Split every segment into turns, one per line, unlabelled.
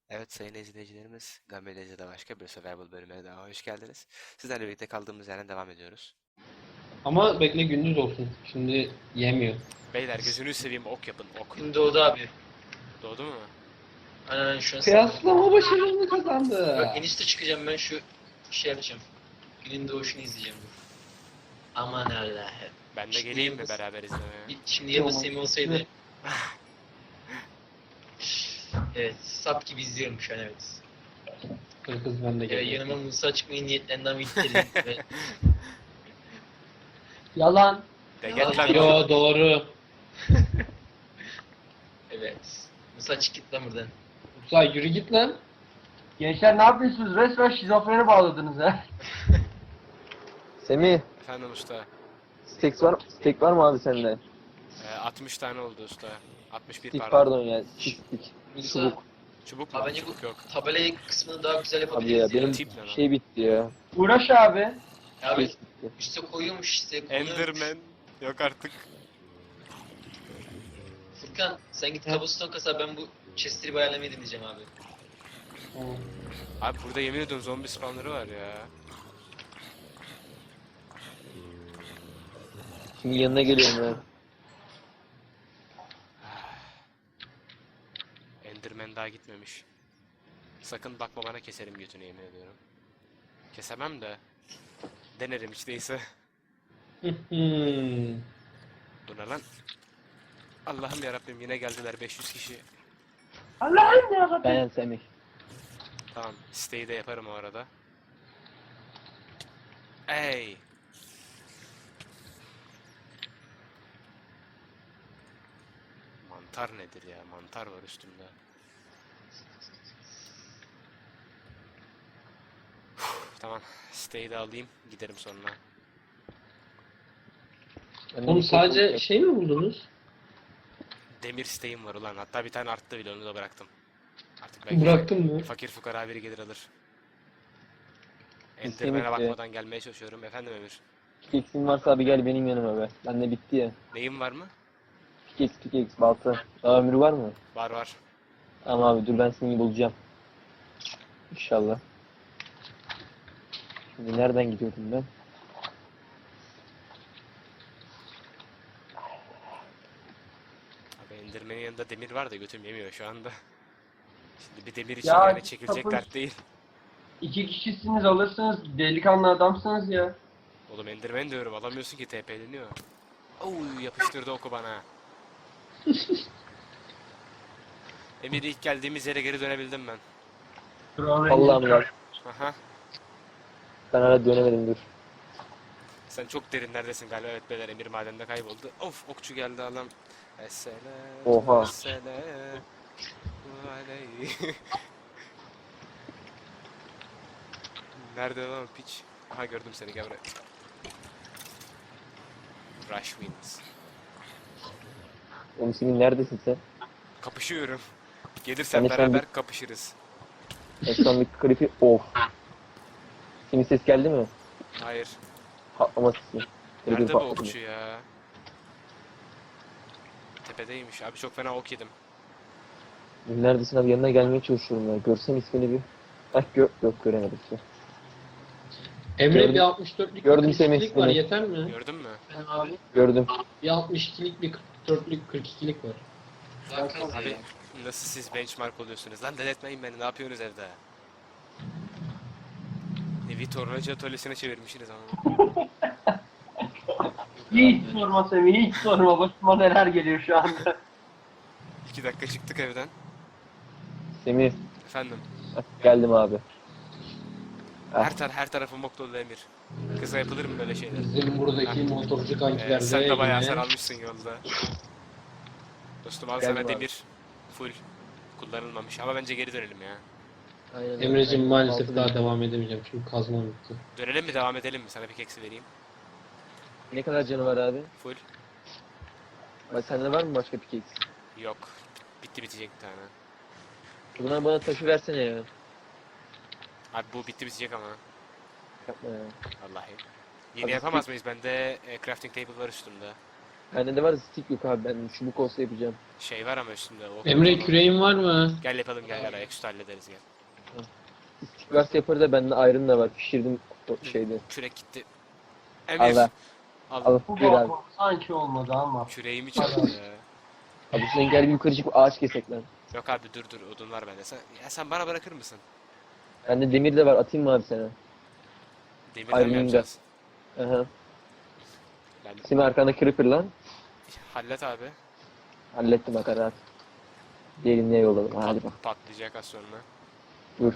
Evet sayın izleyicilerimiz, Gamelezya'da başka bir Survival bölümüne daha hoş geldiniz. Sizlerle birlikte kaldığımız yerden devam ediyoruz.
Ama bekle gündüz olsun. Şimdi yemiyor.
Beyler gözünü seveyim ok yapın ok.
Gün doğdu abi.
Doğdu mu?
Aynen şu an
Kıyaslama başarını
Bak
kazandı.
en üstte çıkacağım ben şu şey yapacağım. Günün doğuşunu izleyeceğim. Aman Allah'ım.
Ben de
Şimdi
geleyim mi
Yavuz-
beraber izlemeye?
Şimdi Yavuz
Tamam.
Semih olsaydı. Evet, sap gibi izliyorum şu an, evet.
Kız ben de geliyorum.
Yanıma Musa çıkmayı niyetlendi ama gitti.
Yalan.
De git lan.
Yo doğru.
Evet. Musa çık git lan buradan.
Uzay yürü git lan.
Gençler ne yapıyorsunuz? Resmen şizofreni bağladınız ha.
Semih,
Efendim usta.
steak var mı abi sende?
60 tane oldu usta. 61
Stick
pardon.
pardon ya, stick.
Musa,
Çubuk mu?
abi bence
Çubuk
bu
yok.
tabela kısmını daha güzel
Abi ya
yapabiliriz ya.
benim
Tip ne lan?
şey bitti ya.
Uğraş abi.
Abi
Şey bitti.
üstte koyuyormuş işte. konuyormuş.
Enderman. Yok artık.
Furkan sen git cobblestone kasa, ben bu chest'i ayarlamayı deneyeceğim abi.
Abi burada yemin ediyorum zombi spawnları var ya.
Şimdi yanına geliyorum ya.
Enderman daha gitmemiş. Sakın bakma bana, keserim götünü yemin ediyorum. Kesemem de. Denerim hiç değilse. Bu ne lan? Allah'ım yarabbim, yine geldiler 500 kişi.
Allah'ım ya.
Ben Semih.
Tamam, siteyi de yaparım o arada. Ey! Mantar nedir ya? Mantar var üstümde. Tamam, siteyi de alayım, giderim sonra.
Oğlum sadece şey mi buldunuz?
Demir siteğim var ulan, hatta bir tane arttı bile, onu da bıraktım. Artık belki
Bıraktın mı?
fakir fukara biri gelir alır.
Kesinlikle.
Enderman'e bakmadan gelmeye çalışıyorum. Efendim Emir?
Pickaxe'in varsa abi gel benim yanıma be. Bende bitti ya.
Neyim var mı?
Pickaxe, balta. Daha ömrü var mı?
Var var.
Ama abi dur ben seni bulacağım. İnşallah. Şimdi nereden gidiyordum ben?
Abi Enderman'in yanında demir var da götüm yemiyor şu anda. Şimdi bir demir için
Ya,
yani çekilecek
sapık.
dert değil.
2 kişisiniz alırsınız. Delikanlı adamsınız ya.
Oğlum Enderman diyorum, alamıyorsun ki, TP'leniyor. Oy, yapıştırdı oku bana. Emir, ilk geldiğimiz yere geri dönebildim ben.
Allah'ım ya.
Aha.
Ben hala dönemedim dur.
Sen çok derinlerdesin galiba. Evet beyler, Emir madende kayboldu. Of, okçu geldi adam. Esselam.
Oha.
Esselam. Aleyh. Nerede lan o piç? Aha, gördüm seni, gel buraya. Rush wins.
Oğlum Semih neredesin sen?
Kapışıyorum. Gelirsen
Ben de şu an
beraber kapışırız.
Ekranlık klipi of. Semih ses geldi mi?
Hayır.
Patlama sesi. Creeper
Nerede bu
patladı.
okçu ya? Tepedeymiş. Abi çok fena ok yedim.
Neredesin abi, yanına gelmeye çalışıyorum ya. Görsem ismini bir. Bak yok göremedim ki.
Emre
Gördüm.
bir 64'lük
Gördüm
bir
Semih,
42'lik var,
Semih.
yeter mi?
Gördün mü?
Ben abi.
Gördüm.
Bir 62'lik bir 44'lük 42'lik var.
Daha kaz
Abi
ya.
nasıl siz benchmark oluyorsunuz? Lan deletmeyin beni. Ne yapıyorsunuz evde? Evi tornacı atölyesine çevirmişsiniz ama.
Hiç sorma Semih, hiç sorma. Başıma neler geliyor şu anda.
2 dakika çıktık evden.
Semih.
Efendim.
Bak, geldim abi.
Her tarafım ok dolu Emir. Kıza yapılır mı böyle şeyler?
Bizim buradaki motorcu kankiler de
Sen de bayağı hasar
yine
almışsın yolda. Dostum al
Geldim
sana
abi.
demir. Full. Kullanılmamış ama bence geri dönelim ya.
Aynen.
Emre'cim maalesef
Altı
daha
bin.
devam edemeyeceğim çünkü kazmam bitti.
Dönelim mi, devam edelim mi? Sana bir keksi vereyim.
Ne kadar canı var abi?
Full.
Bak sende var mı başka pickaxe?
Yok. Bitti, bitecek bir tane.
O zaman bana taşı versene ya.
Abi bu bitti, bitecek ama.
Yapma ya.
Vallahi. Yeni
Hadi
yapamaz mıyız? Bende crafting table var üstümde.
Bende de var da stick yok abi. Ben çubuk olsa yapacağım.
Şey var ama üstünde. O
Emre küreğin var mı?
Gel yapalım gel ayaküstü hallederiz gel.
Stick varsa yaparız da bende iron da var. Pişirdim o şeyde.
Kürek gitti. Emir.
Allah.
Al.
Al.
Bu
Gel abi.
balkon sanki olmadı ama.
Küreğimi çaldı ya.
Abi sen gel bir yukarı çıkıp ağaç kesek lan.
Yok abi dur odun var bende. Sen bana bırakır mısın?
Bende demir de var. Atayım mı abi sana?
Demirden mi
Iron
yapacağız?
Aha.
Ben
Şimdi arkanda creeper lan.
hallet abi.
Hallettim bak rahat. Derinliğe yolladım. Hadi bak.
Patlayacak az sonra.
Dur.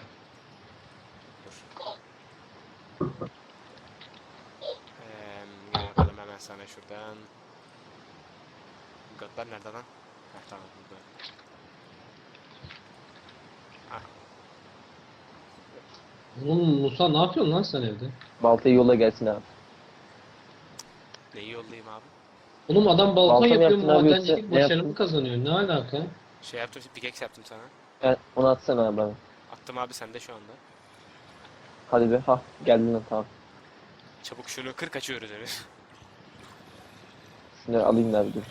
Ne yapalım hemen sana şuradan. Godlar nerede lan? Heh, tamam burada.
Oğlum Musa ne yapıyorsun lan sen evde?
Baltayı yolla gelsin abi.
Neyi yollayayım abi?
Oğlum adam balkon
Balta mı
yapıyor,
yaptın abi
madencilik
yoksa ne
başarı
yaptın?
mı kazanıyor? Ne alaka?
Şey yaptım, pickaxe yaptım sana.
Onu atsana abi bana.
Attım abi sende şu anda.
Hadi be. Ha geldin lan tamam.
Çabuk şunu kır kaçıyoruz Emir.
Şunları alayım da abi dur.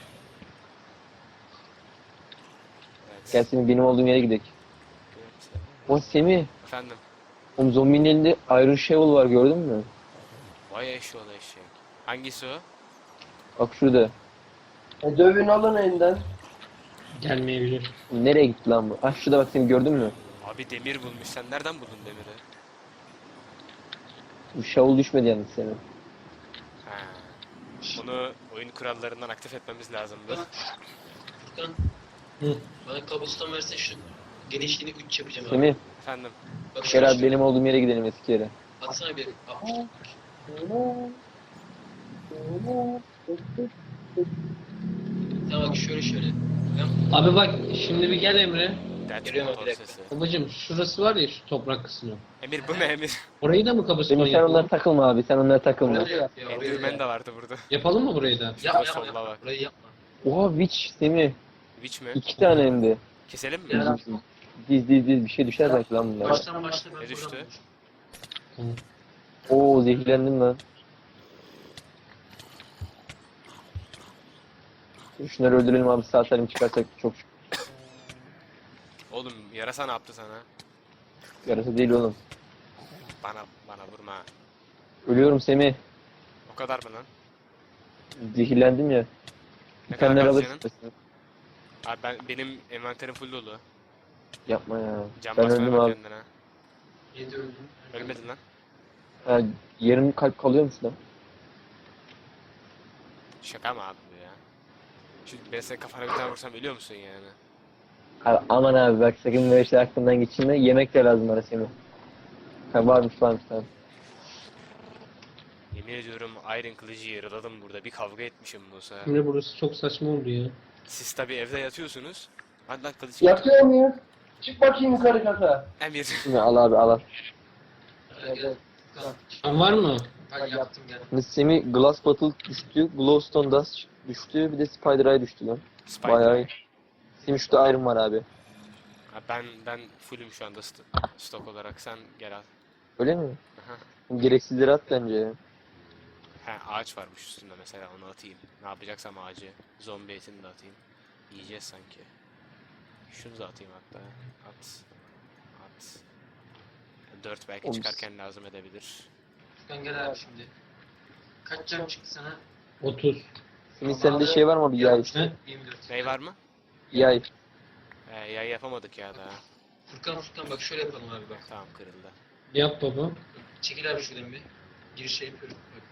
Evet.
Gel Semih benim olduğum yere gidelim. O Semih.
Efendim.
O zombinin elinde Iron Shovel var gördün mü?
Vay eşoğlu eşek. Hangisi o?
Bak şurada.
Dövün alın elinden.
Gelmeyebilir.
Nereye gitti lan bu? Ah şurada bak Semih gördün mü?
Abi demir bulmuş. Sen nereden buldun demiri?
Bu shovel düşmedi yalnız senin.
Ha. Bunu oyun kurallarından aktif etmemiz lazımdı.
Furkan.
Hı.
Bana kabuston verse şu genişliğini 3 yapacağım abi.
Semih
Bak
gel
şöyle
abi benim olduğum yere gidelim eski yere.
atsana bir. Tamam bak şöyle.
Abi bak şimdi bir gel Emre.
Dert
Geliyorum
motor
bir dakika.
sesi.
Babacım şurası var ya şu toprak kısmı.
Emir bu ne Emir?
Orayı da mı kabuston
Semih sen onlara
yapalım?
takılma abi sen onlara takılma.
Orayı yap ya, orayı
Enderman
yap.
de vardı burada.
Yapalım mı burayı da?
Yapma
Solla
yapma.
bak.
Orayı yapma.
Oha witch Semih.
Witch mi?
2 tane hem de.
Keselim mi?
Ya.
Diz bir şey düşer belki lan bunlar.
Baştan başla ben
Ne düştü?
buradan-
Tamam.
Oo zehirlendim lan. Şunları öldürelim abi sağ salim çıkarsak çok
Oğlum yarasa ne yaptı sana?
yarası değil oğlum.
Bana vurma.
Ölüyorum Semih.
O kadar mı lan?
Zehirlendim ya.
Ne kadar
Dikenler
kaldı
alır
canın?
istersen.
Abi benim envanterim full dolu.
Yapma ya.
Can
Ben
basmaya
öldüm
bak
abi.
kendine.
7 öldüm.
Ölmedin lan.
Ha, yarım kalp kalıyor musun lan?
Şaka mı abi bu ya? Şimdi ben senin kafana bir tane vursam ölüyor musun yani?
Abi, aman abi bak sakın böyle şeyler aklından geçirme. Yemek de lazım bana Semih. Ha varmış tamam.
Yemin ediyorum Iron Kılıcı yaraladım burada. Bir kavga etmişim Musa.
Emre burası çok saçma oldu ya.
Siz tabi evde yatıyorsunuz. Hadi lan kılıç.
Yapıyor muyuz? Çık bakayım yukarı kata.
Emir.
Semih al abi al.
Gel.
Sen var mı?
Hadi yaptım gel.
Şimdi Semih Glass Bottle düştü. Glowstone Dust düştü. Bir de Spider Eye düştü lan. Bayağı iyi. Semih şurada Iron var abi.
Ha, ben fullüm şu anda stok olarak. Sen gel al.
Öyle mi?
Aha.
Gereksizleri at bence ya.
Ha ağaç varmış üstünde mesela onu atayım. Ne yapacaksam ağacı. Zombi etini de atayım. Yiyeceğiz sanki. Şunu da atayım hatta. At. 4 belki
Oğlum,
çıkarken lazım edebilir.
Furkan gel abi şimdi. Kaç can çıktı sana?
30.
Semih sende şey var mı bir yay?
He?
24.
Ney var mı?
Yay.
Yay yapamadık ya daha.
Furkan bak şöyle yapalım abi bak.
Tamam kırıldı.
Yap baba.
Çekil abi şuradan bir. Giriş yapıyorum. Bak.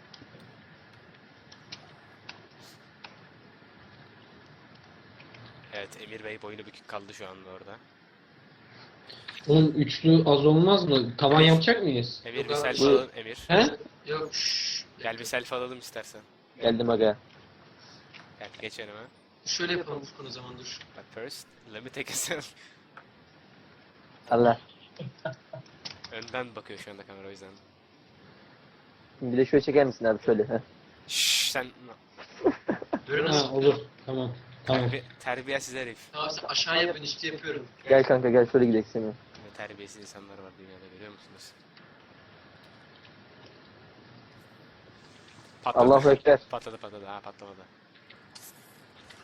Evet Emir Bey boynu bükük kaldı şu anda orada.
Oğlum üçlü az olmaz mı? Tavan yapacak mıyız?
Emir
Yok
bir
abi.
selfie
Bu-
alalım Emir.
He?
Yok şşş.
Gel bir selfie alalım istersen.
Geldim aga.
Gel geç yanıma.
Şöyle yapalım Furkan o zaman dur.
But first let me take a selfie.
Allah.
Önden bakıyor şu anda kamera o yüzden.
Bir de şöyle çeker misin abi şöyle. Heh.
Şşş sen
Böyle
Ha
nasıl?
olur. Tamam. Tamam.
terbiyesiz herif.
Tamam sen aşağıya ben üstü yapıyorum.
Gel kanka gel şöyle gidelim Semih.
Ne terbiyesiz insanlar var dünyada görüyor musunuz?
Allahu Ekber.
Patladı ha patlamadı.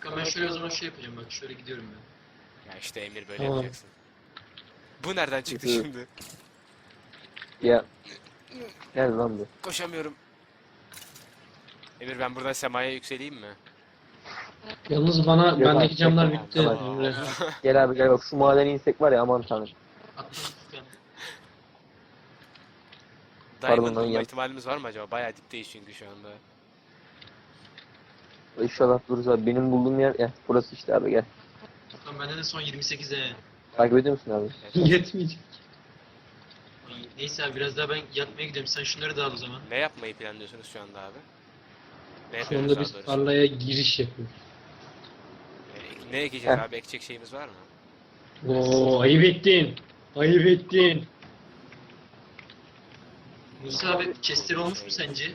Furkan ben şöyle o zaman şey yapacağım bak şöyle gidiyorum ben.
Ya işte Emir böyle
Tamam.
yapacaksın. Bu nereden çıktı
Evet.
şimdi?
Ya. Gel lan bu.
Koşamıyorum. Emir ben buradan semaya yükseleyim mi?
Yalnız bana
Yok
bendeki
abi,
camlar
yok,
bitti.
tamam.
Emre.
Gel abi gel bak şu madene insek var ya aman tanrım.
Atla Furkan.
Diamond
lan,
bulma
yap.
ihtimalimiz var mı acaba? Bayağı dipteyiz çünkü şu anda.
İnşallah dururuz abi. Benim bulduğum yer ya burası işte abi gel.
Furkan bende de son 28'e.
Takip ediyor musun abi?
Yetmeyecek.
Neyse abi biraz daha ben yatmaya gidiyorum. Sen şunları da al o zaman.
Ne yapmayı planlıyorsunuz şu anda abi? Ne
Şu
yapıyoruz
anda
daha
biz
doğrusu?
tarlaya giriş yapıyoruz.
Ne ekeceğiz
Heh.
abi? Ekecek şeyimiz var mı?
Oo, ayıp ettin. Ayıp ettin.
Musa abi chestler olmuş mu sence?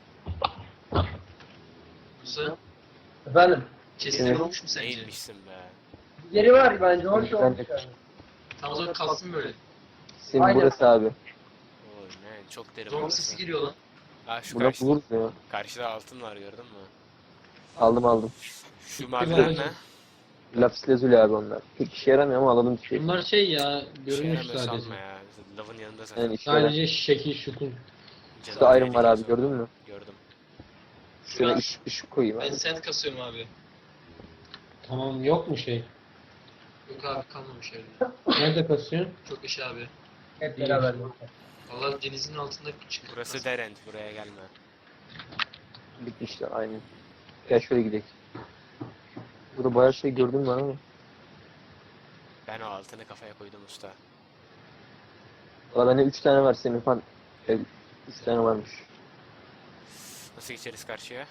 Musa
Efendim.
chestler
Evet.
olmuş mu sence?
Neymişsin be?
Yeri var bence hoş
Ben
olmuş
de-
yani.
Tam o zaman kalsın böyle.
Senin
Aynen.
burası abi.
Oy man çok derin
Zombi
burası.
sesi geliyor lan.
Aa şu
Burada
karşıda,
buluruz ya.
karşıda altın var gördün mü?
Aldım.
Şu maviler ne?
Lapis lazuli abi onlar. Pek işe yaramıyor ama alalım bir şey.
Bunlar şey ya,
Bir şey
görünüş
yaramıyor
sadece.
sanma ya. Lavın yanında zaten.
Yani işe yaramıyor.
Sadece şekil şukun.
Canım
Şurada iron var
tehlikeli
abi
zombi.
gördün mü?
Gördüm.
Şöyle ışık koyayım
Ben
abi.
sand kasıyorum abi.
Tamam, yok mu şey?
Yok abi kalmamış herhalde.
Nerede kasıyorsun?
Çok yaşa abi.
Hep beraber.
Allah denizin altında çık.
Burası Derent. Buraya gelme.
Bitmişler aynen. Gel şöyle gidelim. Burada bayağı şey gördüm ben ama.
Ben o altını kafaya koydum usta.
Valla bende 3 tane var senin falan. 3 tane varmış.
Nasıl geçeriz karşıya?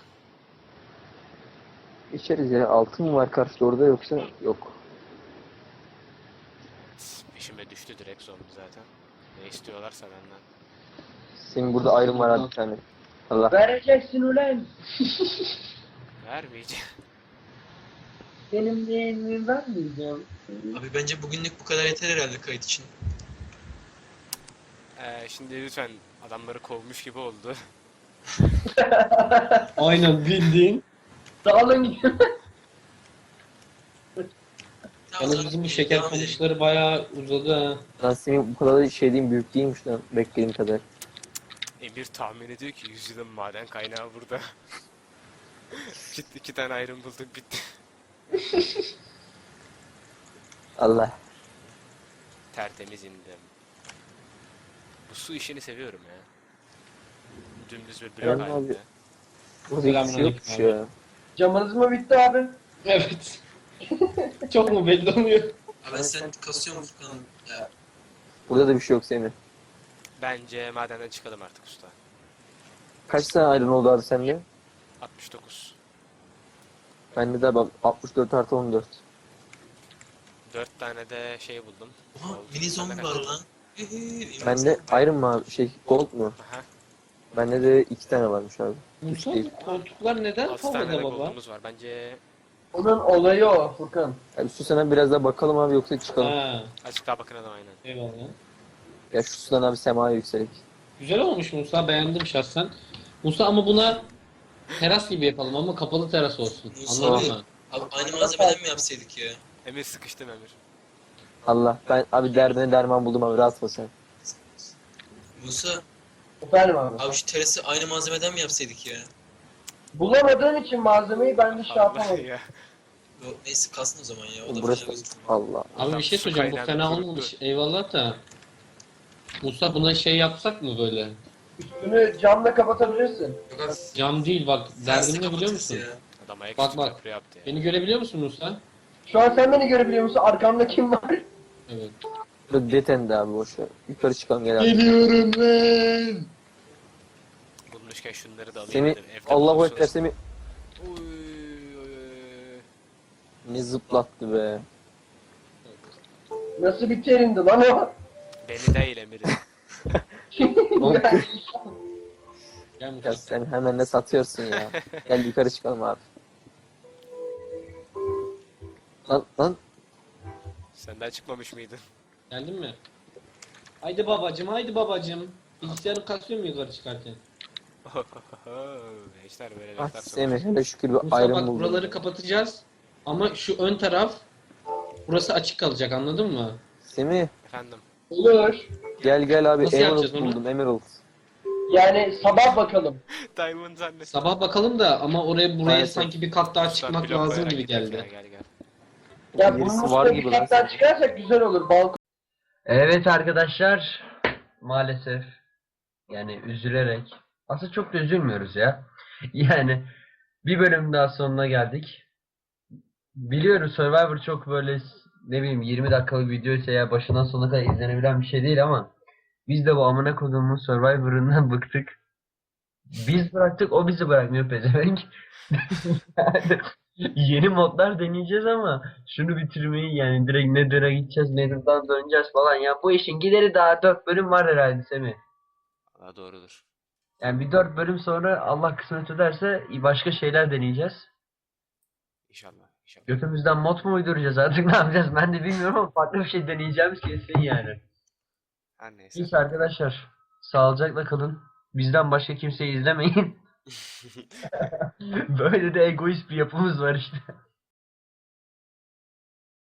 İçeriz ya. Altın mı var karşıda orada yoksa yok.
Peşime düştü direkt zombi zaten. Ne istiyorlarsa benden.
Senin burada iron var abi bir tane. Allah.
Vereceksin ulan.
Vermeyeceğim.
Benim yeğenimi vermeyeceğim.
Abi bence bugünlük bu kadar yeter herhalde kayıt için.
Şimdi lütfen adamları kovmuş gibi oldu.
Aynen bildiğin.
Dağılın gidin.
Yalnız bizim bu şeker kamışları bayağı uzadı ha.
Lan senin bu kadar da şey diyeyim büyük değilmiş lan beklediğim kadar.
Emir tahmin ediyor ki 100 yılın maden kaynağı burada. İki tane ayrım bulduk bitti.
Allah.
Tertemiz indim. Bu su işini seviyorum ya. Dümdüz bir blok
Yani
halinde.
abi. Burada hiçbir şey yokmuş
Selamünaleyküm
ya.
Camınız mı bitti abi?
Evet. Çok mu belli oluyor?
Abi ben sand kasıyorum Furkan. Ya,
Burada da bir şey yok senin.
Bence madenden çıkalım artık usta.
Kaç tane iron oldu abi sende?
69.
Bende de bak 64 artı 14.
4 tane de şey buldum.
oha
Oldu.
mini zombi
Sende
var
kaç?
lan.
Bende iron mu abi şey gold mu?
Aha.
Bende de 2 tane varmış abi.
Musa
değil.
bu koltuklar neden
6 tane de
havada baba?
gold'umuz var. Bence
Onun olayı o Furkan.
Abi şu sana biraz daha bakalım abi yoksa çıkalım.
Ha,
azıcık daha bakın adam aynen.
eyvallah.
Ya şu sudan abi semaya yükselik.
Güzel olmuş Musa, beğendim şahsen. Musa ama buna teras gibi yapalım ama kapalı teras olsun.
Musa
Anladın
abi.
mı?
Abi aynı malzemeden mi yapsaydık ya?
Emir sıkıştım Emir.
Allah ben abi derdine derman buldum abi rahat ol sen.
Musa
Efendim abi.
abi şu terası aynı malzemeden mi yapsaydık ya?
Bulamadığın için malzemeyi ben de şey
Allah
yapamadım.
ya.
Yok neyse kalsın o zaman ya. O da
Burası
fena gözükmüyor.
Allah.
Abi
Adam
bir şey
su
söyleyeceğim, bu
kaynağında
fena
kuruttu.
olmamış. Eyvallah da. Musa buna şey yapsak mı böyle?
Üstünü camla kapatabilirsin.
Yok abi.
Cam değil bak,
terası
derdimi ne biliyor
kapatırız
musun?
ya.
Adam ayak
Bak,
üstü
bak.
köprü yaptı ya.
Beni görebiliyor musun Musa?
Şu an sen beni görebiliyor musun? Arkamda kim var?
Evet.
Burada detendi abi boşver. Yukarı çıkalım gel abi.
Geliyorum ben.
Bulmuşken şunları da alayım
Seni
dedim. Evde
Allahu
bulursunuz.
Ekber seni
Oy, oy, oy.
ne zıplattı be.
Nasıl bir terindi lan o?
Beni değil Emir'i.
Oğlum,
Gel
ya
Musa.
sen hemen ne satıyorsun ya. Gel yukarı çıkalım abi. Lan
Sen daha çıkmamış mıydın?
Geldin mi? Haydi babacım, haydi babacım. Bilgisayarı kasıyor mu yukarı çıkarken?
Gençler böyle
ah
laflar
Semih
sokuyor.
hele şükür bir
Musa
ayrım
bak,
buldum.
buraları kapatacağız. Ama şu ön taraf burası açık kalacak, anladın mı?
Semih
Efendim.
Olur.
gel abi
Nasıl
Emerald
yapacağız onu?
buldum Emerald.
Yani sabah bakalım.
Diamond zannet.
Sabah bakalım da ama buraya
Maalesef.
sanki bir kat daha
Usta,
çıkmak
blok
lazım
koyarak
gibi
gidecek
geldi.
ya, gel gel.
Ya
Birisi
bunun
var
üstüne
gibi
bir
lan
kat daha
sanki.
çıkarsak güzel olur. Balkon. Evet arkadaşlar. Maalesef. Yani üzülerek. Aslında çok da üzülmüyoruz ya. Yani bir bölüm daha sonuna geldik. Biliyoruz Survivor çok böyle ne bileyim 20 dakikalık videoysa ya başından sonuna kadar izlenebilen bir şey değil ama biz de bu amına koduğumuz Survivor'ından bıktık. Biz bıraktık, o bizi bırakmıyor pezevenk. Yani yeni modlar deneyeceğiz ama şunu bitirmeyi yani direkt Nether'a gideceğiz, Nether'dan döneceğiz falan ya bu işin gideri daha 4 bölüm var herhalde Semih.
Aa, doğrudur.
Yani bir 4 bölüm sonra Allah kısmet ederse başka şeyler deneyeceğiz.
İnşallah. İnşallah.
Götümüzden mod mu uyduracağız artık ne yapacağız ben de bilmiyorum ama farklı bir şey deneyeceğimiz kesin yani.
Her neyse.
Neyse arkadaşlar sağlıcakla kalın. Bizden başka kimseyi izlemeyin. Böyle de egoist bir yapımız var işte.